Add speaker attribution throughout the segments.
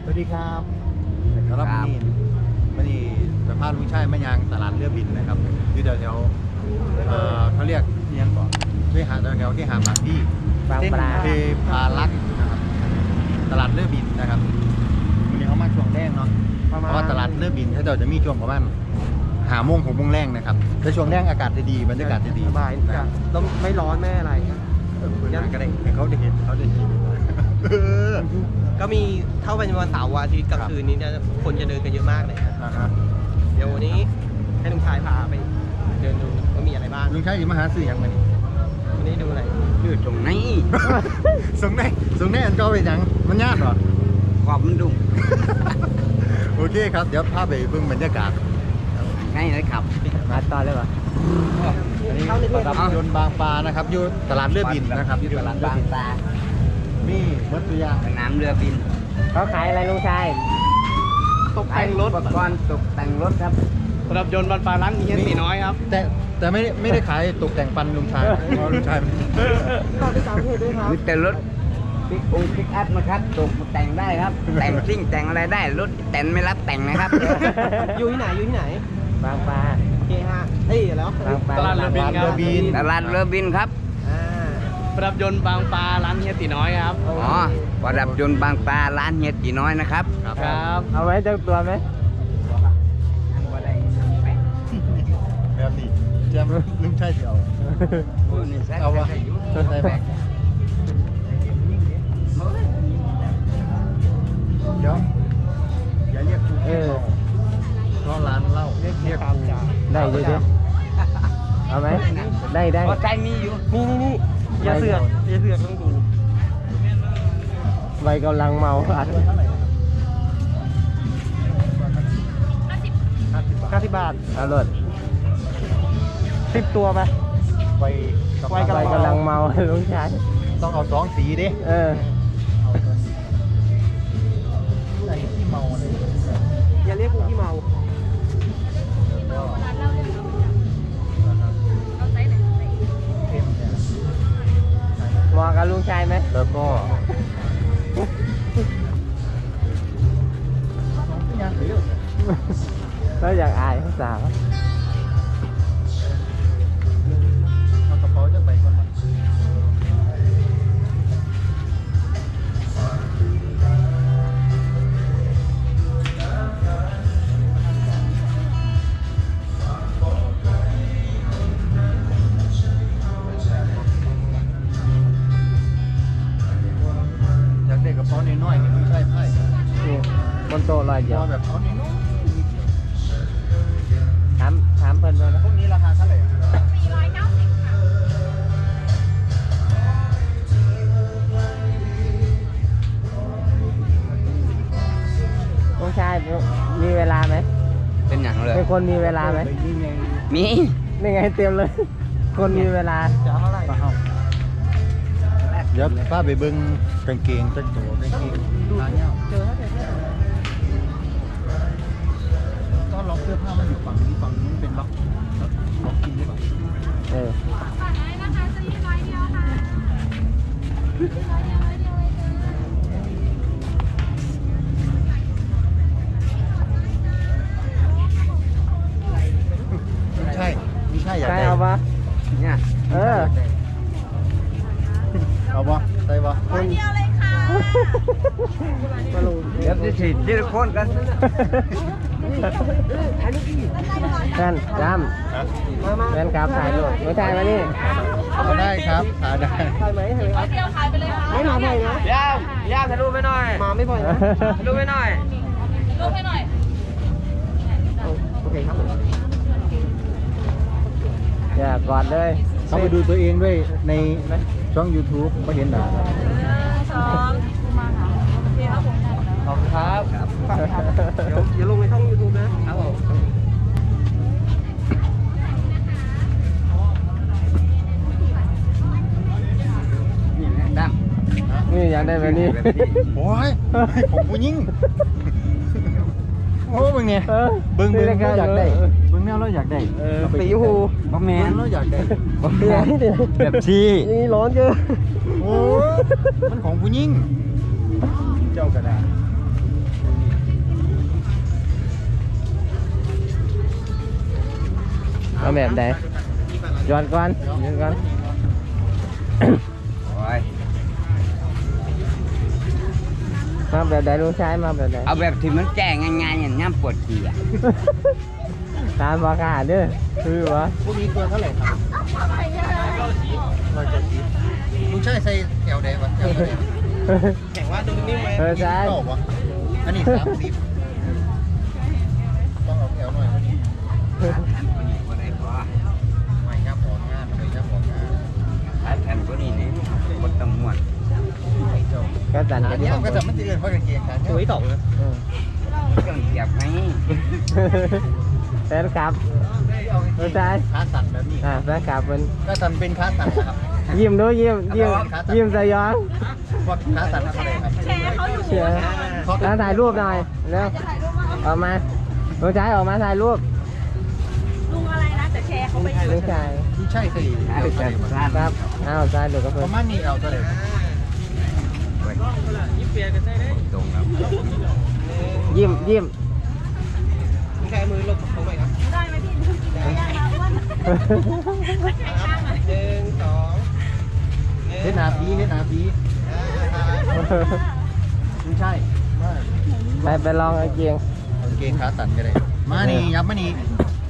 Speaker 1: วัสดีครับครับวันนี้จะพาลุงชายมายางตลาดเรือบินนะครับที่แถวเขาเรียกเนียงก่อนที่หาแถวที่หาปากที่เส้นเทพารักษ์นะครับตลาดเรือบินนะครับวันนี้เขามาช่วงแรกเนาะเพราะว่าตลาดเรือบินถ้าเราจะมีช่วงประมาณ5 โมง 6 โมงแรงนะครับแต่ช่วงแรกอากาศจะดีบรรยากาศจะดี
Speaker 2: สบายต้องไม่ร้อนไม่อะไร
Speaker 1: ยันก็ได้เขาได้เห็น
Speaker 2: ก็มีเท่าเป็นวันเสาร์อาทิตย์กลางคืนนี้เนี่ยคนจะเดินกันเยอะมากเลยครับเดี๋ยววันนี้ให้ลุงชายพาไปเดินดูว่ามีอะไรบ้าง
Speaker 1: ลุงชายอยู่มหาสื่ออย่างวันนี้
Speaker 2: ดูอะไร
Speaker 3: อยู่ตรงไหน
Speaker 1: ส่งแน่อันก็ไปยังมันยากเหรอ
Speaker 3: ขอบมันดุ
Speaker 1: โอเคครับเดี๋ยวพาไปเบิ่งบรรยากาศ
Speaker 3: ง่ายเลยครับ
Speaker 2: มาต่อเลยเหรอ
Speaker 1: อันนี้ประดับยนต์บางปลานะครับอยู่ตลาดเรือบินนะครับ
Speaker 3: อยู่ตลาดบางปลา
Speaker 1: มีมัตตุยาง
Speaker 3: สนามเรือบิน
Speaker 2: เขาขายอะไรลุงชายตกแต่งรถ
Speaker 3: อุปกรณ์ตกแต่งรถครับ
Speaker 2: ประดับยนต์บางปลาร้านเฮียตีน้อยครับ
Speaker 1: แต่ไม่ได้ขายตกแต่งปันลุงชายเพราะลุงชาย
Speaker 2: ก็ที่ต่างประเทศด้วยครับ
Speaker 3: มีแต่รถปิกอัพนะครับตกแต่งได้ครับแต่งซิ่งแต่งอะไรได้รถแต่งไม่รับแต่งนะครับ
Speaker 2: อยู่ที่ไหนบางปลาเคฮะแล้ว
Speaker 3: ตลาดเรือบินครับตลาดเรือบินครับ
Speaker 2: ประดับยนต์บางปลาร้านเฮียตีน้อยครับ
Speaker 3: อ๋อประดับยนต์บางปลาร้านเฮียตีน้อยนะครับ
Speaker 2: ครับเอาไว้เจ้าตัวไหม
Speaker 1: แบบนี้แจมลุงชายเดียวเอาวะใส่แบกเดี๋ยวอย่าเรียกกูก็ร้านเหล้าเรียก
Speaker 2: ได้เลยเอาไหมได้
Speaker 3: พอใจมีอยู่
Speaker 2: นี่อย่าเสือกต้องดูใบกำลังเมาอัด90 บาทเอาเลย10 ตัวไป
Speaker 1: ใบ
Speaker 2: กำลังเมาลุงชาย
Speaker 1: ต้องเอา2 สีดิไอ้ที่เมาเลย
Speaker 2: อย่าเรียกกูที่เมาเหมาะกับลุงชายไหม
Speaker 1: แล้วก็
Speaker 2: เราอยากอายเขาสาว
Speaker 1: เอากระเป๋าจะไปก่อนกระเป๋าน้อยๆนี่ไม่ใช่ไพ่
Speaker 2: บนโต๊ะลอยเดียว
Speaker 1: แบบเอาน้อย
Speaker 2: ถามเพิ่นเลยนะ
Speaker 1: พวกนี้ราคาเท่าไหร่
Speaker 4: 490 ค่ะ
Speaker 2: ลุงชายมีเวลาไหม
Speaker 3: เป็นอย่างเลย
Speaker 2: เป็นคนมีเวลาไหม
Speaker 3: มี
Speaker 2: นี่ไงเตรียมเลยคนมีเวลาจะเท่าไหร่
Speaker 1: เดี๋ยวป้าไปเบิ้งกางเกงจักตัวกางเกงร้านเนี้ย
Speaker 2: เจอแล้ว
Speaker 1: ก็ล็อกเสื้อผ้ามันอยู่ฝั่งนี้เป็นล็อกกินหรือเปล่า
Speaker 4: ฝากได้นะคะจะยืนร้อยเดียวค่ะร้อยเดียว
Speaker 1: ไม่ใช่อยากได้
Speaker 2: เอาปะ
Speaker 3: เนี่ย
Speaker 1: เอาปะใส่ปะ
Speaker 4: ร้อยเดียวเลยค่ะ
Speaker 3: เดี๋ยวจะฉีดทีละคนกัน
Speaker 2: แฟนจำแฟนครับถ่ายรูปไม่ถ่ายมานี่
Speaker 1: ได้ครับถ่ายได้
Speaker 2: ถ่ายไหม
Speaker 4: ร้อยเดียวขายไปเลยค่ะ
Speaker 2: ไม่มาบ่อยนะ
Speaker 3: ย่าถ่ายรูปไปหน่อย
Speaker 2: มาไม่บ่อยนะ
Speaker 3: รูปไปหน่อย
Speaker 4: รูปให้หน่อย
Speaker 2: โอเคครับอย่ากอดเลย
Speaker 1: เขาไปดูตัวเองด้วยในช่อง YouTube ก็เห็นด่า
Speaker 4: 2มาค่ะโอเคครับผม
Speaker 2: ขอบคุณครับอย่าลงในช่อง YouTube นะครับผมนี่อยากได้แบบนี้
Speaker 1: โอ้ยผมผู้ยิ่งโอ้เบิ่งไงเบิ่งเราอยากได้เบิ่งแนวเราอยากได้
Speaker 2: สีหู
Speaker 1: บะแมนเราอยากได้
Speaker 2: บะแมน
Speaker 3: แบบชี
Speaker 2: นี่ร้อนเกิน
Speaker 1: โอ้มันของผู้ยิ่งเจ้ากระดาษ
Speaker 2: แบบไหนย้อนก่อนย้อนก่อน
Speaker 3: โอ้ย
Speaker 2: มาแบบไหนลุงชายมาแบบไหน
Speaker 3: เอาแบบที่มันแจ้งง่ายๆอย่างน้ำปวดขี้อ่ะ
Speaker 2: ตามราคาเด้อคือวะ
Speaker 1: พวกนี้ตัวเท่าไหร่ครับ190ลุงใช่ใส่แถวแดงวะแถวแดง
Speaker 2: แข่งว่าดูนิ่มไหมใช่
Speaker 1: 29วะอันนี้30ต้องเอาแถวหน่อยวันนี้
Speaker 3: บ่ได้พอ
Speaker 1: ไม่ครับออกงานไม่ครับออกงาน
Speaker 3: ถ้าแทนตัวนี้นี่บ่ต้องม่วน
Speaker 2: ก็จัน
Speaker 1: อันนี้ก็จะมันจะเอื่นเพราะกางเกงขาเนี่ย
Speaker 2: ตัวที่สองนะ
Speaker 3: เครื่องเสียบไหม
Speaker 2: แฟนคลับลุงชาย
Speaker 1: ขาสั่นแบบนี้
Speaker 2: แฟนคลับเป็น
Speaker 1: ก็สั่นเป็นขาสั่นนะครับ
Speaker 2: ยิ้มด้วยยิ้มสยอง
Speaker 1: พวกขาสั่นอะไรครับ
Speaker 4: แชร์เขาอยู่
Speaker 2: เชื่อแล้วถ่ายรูปหน่อยเร็ว
Speaker 4: จะถ่ายรูปว่า
Speaker 2: ออกมาลุงชายออกมาถ่ายรูป
Speaker 4: ลุงอะไรนะแต่แชร์เขาไปอยู่
Speaker 2: ลุงชาย
Speaker 1: ไม่ใช่สิ
Speaker 2: ครับอ้าวชายดูกับ
Speaker 1: ป
Speaker 2: เพื่อน
Speaker 1: ระมาณนี้เอาเท่าไหร่
Speaker 3: โอ้ย
Speaker 2: ยิ้มเปียกันได้เลย
Speaker 3: ตรงครับ
Speaker 2: ยิ้มลุงชายมือลงตรงไหนครับ
Speaker 4: ได้ไหมพี่ได้ครับว่าใครข้างไหน
Speaker 2: 1 2
Speaker 1: เฮ็ดนาพีเฮ็ดนาพีไม่ใช่ว่า
Speaker 2: ไปลองไอ้เกียง
Speaker 1: กางเกงขาสั่นก็ได้มานี่ยับมานี่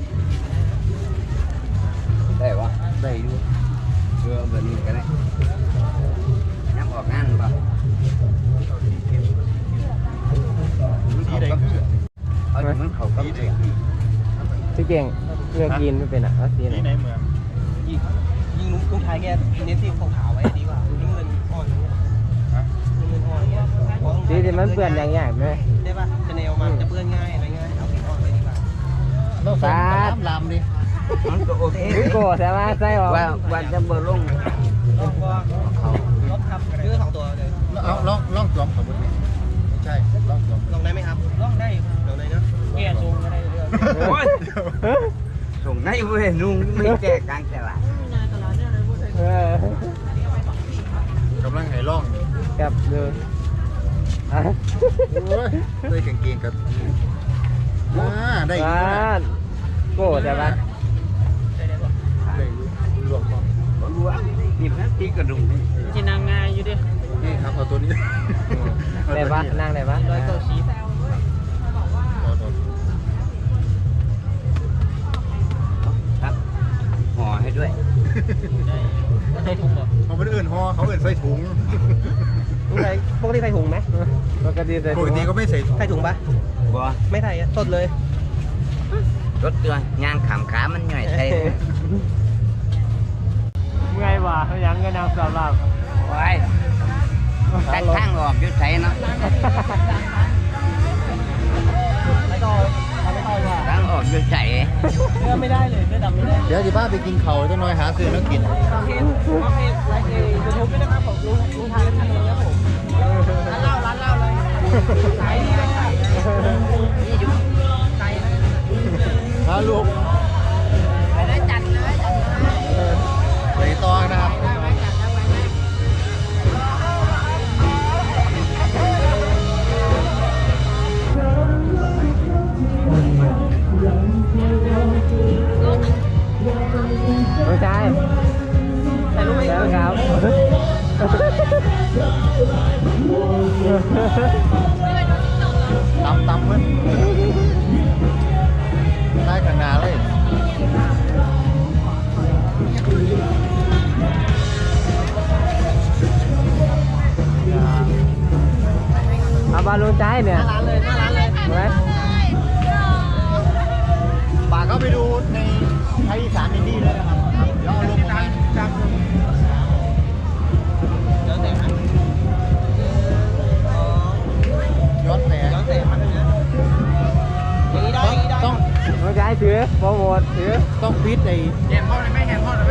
Speaker 3: ได้วะ
Speaker 1: ได้อยู่
Speaker 3: เชื่อแบบนี้ก็ได้น้ำออกงานป่ะ
Speaker 1: สีใดคือ
Speaker 3: เอาถึงมันเขาก็
Speaker 1: สีใด
Speaker 3: เสีย
Speaker 1: คือ
Speaker 2: พี่เกียงเลือกกินไม่เป็นอ่ะเอาสีไหน
Speaker 1: สีไหนเมือง
Speaker 2: ยิงลุงชายแกเน้นสีขาวๆไว้ดีกว่ายิ่งเงินอ่อนอย่างเงี้ย
Speaker 1: ฮะ
Speaker 2: ยิ่งเงินอ่อนอย่างเงี้ยสีที่มันเปื้อนอย่างเงี้ยไหมได้ป่ะจะแนวมันจะเปื้อนง่ายอะไรง่ายเอาสีอ่อนไว้ดีกว่า
Speaker 1: เราใส่ลามดิ
Speaker 3: มันก็โอเค
Speaker 2: โกรธใช่ไหมใช่หรอ
Speaker 3: ว่าจะเบอร์ลง
Speaker 2: ลองก็ลบครับซื้อ2 ตัวเลย
Speaker 1: เอาล่องสวมสมมติไม่ใช่ล่องสวม
Speaker 2: ลองได้ไหมครับลองได้ลองได้นะแก่ทรงก็ได้เรื่อง
Speaker 3: โอ้ยส่งให้เว้ยนุ่งไม่แก้กลางตลาด
Speaker 1: กำลังให้ล่อง
Speaker 2: กับดู
Speaker 1: โอ้ยด้วยกางเกงกับได้อยู่นะ
Speaker 2: โกรธใช่ปะ
Speaker 1: ได้อยู่รวมก่อน
Speaker 3: บ่รู้ว่านี่นะตีกระดุมนี่
Speaker 2: ที่นางงายอยู่ดิ
Speaker 1: นี่ครับเอาตัวนี้
Speaker 2: ได้ปะนั่งได้ปะ190
Speaker 3: ครับห่อให้ด้วย
Speaker 2: ใส่ถุงเหรอ
Speaker 1: เขาไม่ได้เอื่นห่อเขาเอื่นใส่ถุง
Speaker 2: ปกติใส่ถุงไหมปกติใส่
Speaker 1: ป
Speaker 2: ถุ
Speaker 1: ก
Speaker 2: ง
Speaker 1: ติก็ไม่ใส่ถุง
Speaker 2: ใส่ถุงปะ
Speaker 3: บ่
Speaker 2: ไม่ใส่อะสดเลย
Speaker 3: รถตัวยางขามขามันหน่อยใส่
Speaker 2: เมื่อไงวะยังก็นำสำหรับ
Speaker 3: ไว้ตั้งข้างออกอยู่ใส่เนาะ
Speaker 2: ไม่ต่อไม่ต่อว่ะ
Speaker 3: ตั้งออกอยู่ใส่
Speaker 2: เนื้อไม่ได้เลยเนื้อดำไม่ได้
Speaker 1: เดี๋ยวสิบ้าไปกินเขาจะน้อยหาซื้อแล้วกิน
Speaker 2: ฟังเพลงไลฟ์ยูทูบด้วยนะครับผมลุงทานแล้วทานเลยครับผมร้านเหล้าเลยขายดีเลยนี่อยู่ใจนะ
Speaker 1: ฮะลูก
Speaker 4: ไปได้จัดเลยจัดเลย
Speaker 1: ไปต่อนะครับ
Speaker 2: ลุงชายถ่ายรูปไหมครับ
Speaker 1: ตำเพื่อนได้ขนาดเลย
Speaker 2: เอาบอลลุงชายเนี่ยหน้าร้านเลยหน้าร้านเลยไหม
Speaker 1: ฝากเข้าไปดูในไทยอีสานอินดี้เลยนะครับเดี๋ยวเอาลงมาครับ
Speaker 2: แล้วแต่มัน
Speaker 1: ย้อนแสง
Speaker 2: แล้วแต่มันนะอย่างนี้ได้อย่างนี้ได้
Speaker 1: ต้อง
Speaker 2: ลุงชายถือโปรโมทถือ
Speaker 1: ต้องฟิตไอ้
Speaker 2: แหนพ่อเลยไหมแหนพ่อเลยไหม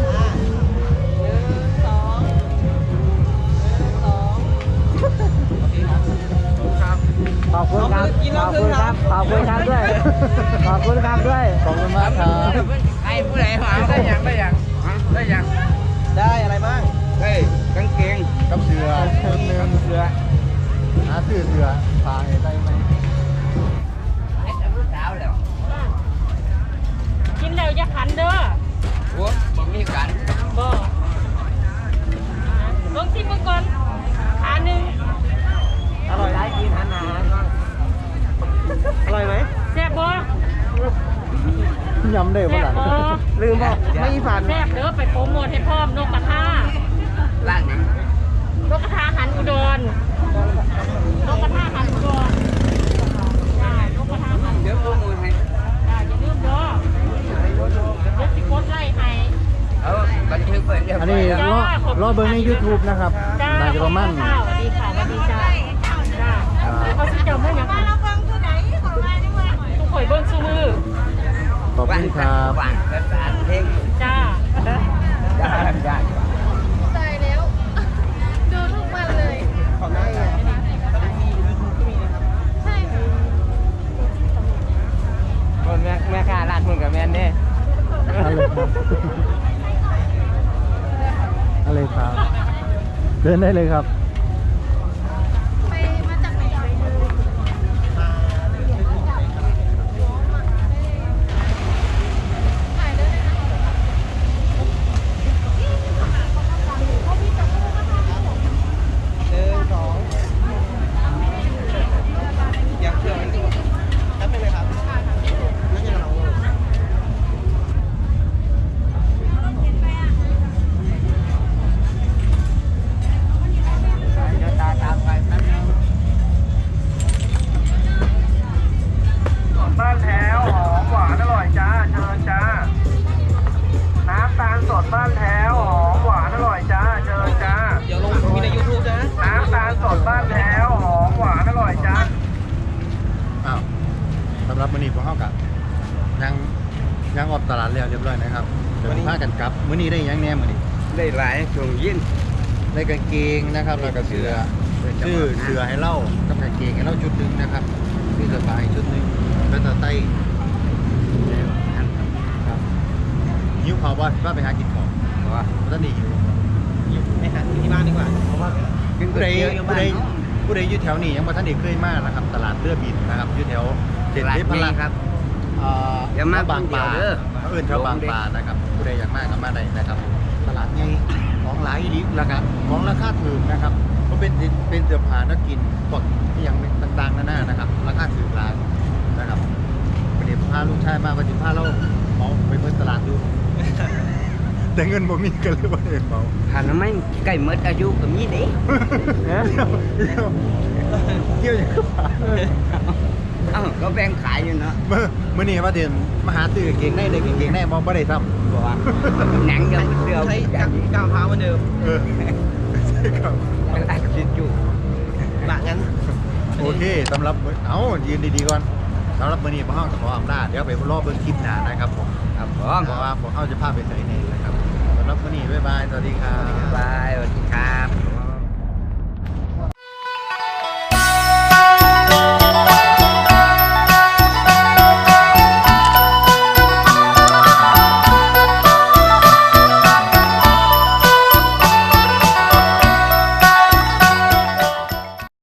Speaker 2: ขอบคุณครับ ขอบคุณครับ ขอบคุณครับด้วย ขอบคุณครับด้วย
Speaker 1: ขอบคุณมากครับ
Speaker 3: ไอ้ผู้ใดหาได้ยังได้ยังได้ยัง
Speaker 2: ได้อะไรบ้าง
Speaker 3: เฮ้ยกางเกง
Speaker 1: กับเสือ
Speaker 2: เนื้อเสือ
Speaker 1: หาซื้อเสือพาให้ได้ไหม
Speaker 3: ไอ้เจ้าสาวแล้ว
Speaker 4: กินแล้วอย่าขันเด้อ
Speaker 1: ได้บ่ล่ะ
Speaker 2: ลืมบอกไม่ฝัน
Speaker 5: แซ่บเด้อไปโปรโมทให้พร้อมนกกระทา
Speaker 3: ร้านนี้
Speaker 5: นกกระทาหันอุดรนกกระทาหันอุดรจ้านกกระทาหัน
Speaker 3: เดี๋ยวโปรโมทให้
Speaker 5: จ้าอย่าลืมเด้อเดี๋ยวสิกดไล่ให้
Speaker 3: เอาบันทึกไว้เรียบ
Speaker 1: อัน
Speaker 3: ร้อ
Speaker 1: นี้
Speaker 3: ยแล้ว
Speaker 1: รอเบิ่งใน YouTube นะครับ
Speaker 5: จ้า
Speaker 1: น่าจะประมาณ
Speaker 5: สวัสดีค่ะสวัสดีจ้าจ้าเขาสิจำได้ยังเราเบิ่งตัวไหนของเราด้วยทุกข่อยเบิ่งซุมือ
Speaker 1: ขอบคุณครับ
Speaker 3: ว่างภาษาเพลง
Speaker 5: จ้า
Speaker 3: ได้ได้
Speaker 4: ใส่แล้ว ดูทุกวันเลย
Speaker 2: ของได้ไงตอนนี้มี YouTube ก็มีนะครับ
Speaker 4: ใช่ค่ะ
Speaker 2: คนแม่ค้าร้านมึงกับแม่เนี่ย
Speaker 1: อะไรครับเดินได้เลยครับ
Speaker 4: ไปมาจากไหนถ่ายได้เลยนะเขามีจับคู่นะคะ
Speaker 2: อยากเชื่อไหมครับเป็นเลยครับนั่นยังเรา
Speaker 3: เดี๋ยวตามไปแป๊บนึง
Speaker 6: บ้านแถวหอมหวานอร่อยจ้าเชิญจ้า น้ำตาลสดบ้านแถวหอมหวานอร่อยจ้าเชิญจ้า
Speaker 2: เดี๋ยวลงมีใน YouTube นะ
Speaker 6: น้ำตาลสดบ้านแถวหอมหวานอร่อยจ้า
Speaker 1: อ้าวสำหรับมื้อนี้พวกเฮากับยังออกตลาดแล้วเรียบร้อยนะครับเดี๋ยวพากันกลับมื้อนี้ได้หยังแหน่มื้อนี้
Speaker 3: ได้หลายช่วงยิน
Speaker 1: ได้กางเกงนะครับแล้วก็เสื้อชื่อเสื้อให้เล่ากับกางเกงให้เล่าชุดหนึงนะครับชื่อเสื้อผ้าให้ชุดหนึงแล้วก็ไต้ครับหิวข้าวบ่ว่าไปหากินข้าว
Speaker 3: ว่า
Speaker 1: บ่ทันได้หิว
Speaker 2: ไม่หาที่บ้านดีกว่า เพราะว่า
Speaker 3: กินก๋
Speaker 1: ผู้
Speaker 3: วย
Speaker 1: ใด
Speaker 3: เตี๋ยวอยู่
Speaker 1: ผู้
Speaker 3: บ้า
Speaker 1: ใด
Speaker 3: น
Speaker 1: ผู้ใดอยู่แถวนี้ยังบ่ทันได้เคยมานะครับตลาดเรือบินนะครับอยู่แถวเขต
Speaker 3: ตลาด
Speaker 1: เทพ
Speaker 3: นี้
Speaker 1: รัตน์
Speaker 3: ครับ
Speaker 1: อ่า
Speaker 3: อย่ามา
Speaker 1: บางปลา
Speaker 3: คนเดียวเด้อ
Speaker 1: เขาเอิ้นแถวบางปลานะครับผู้ใดอยากมาก็มาได้นะครับตลาดใหญ่ของหลายอีหลีแล้วก็ของราคาถูกนะครับก็เป็นเสื้อผ้านักกินพวกอหย่างต่างๆนานานะครับราคาถูกหลายนะครับวันนี้พาลูกชายมาวันนี้พาเราเมาไปเพิ่นตลาดดู แต่เงินบ่มีกันเลยบ่ได้เมา
Speaker 3: ถ้าน้ำไม่ใกล้หมดอายุก็มีเด้
Speaker 1: เกี่ยวอย่างกับปลา
Speaker 3: เอ้าก็แบ่งขายอยู่เนาะ
Speaker 1: มื่อนี้ว่าเดินมาหาตื้อกางเกงในได้กางเกงในมองไม่ได้ซ้ำ
Speaker 3: บอกว่าหนังยังเดียว
Speaker 2: ใช้
Speaker 3: กัน
Speaker 2: ก้าวเท้าเหมือนเดิม
Speaker 1: เออใช่ครับ
Speaker 3: ยังอัดคลิปอยู่
Speaker 2: บะงั้น
Speaker 1: โอเคสำหรับเอายืนดีๆก่อนสำหรับมื่อนี้พวกเราจะขออำลาเดี๋ยวไปรอเบิ่งคลิปหน้านะครับผม
Speaker 3: ครับผม
Speaker 1: เพราะว่าพวกเราจะพาไปใส่ในนะครับสำหรับมื่อนี้บ๊ายบายสวัสดีครับ
Speaker 3: บายสวัสดีครับ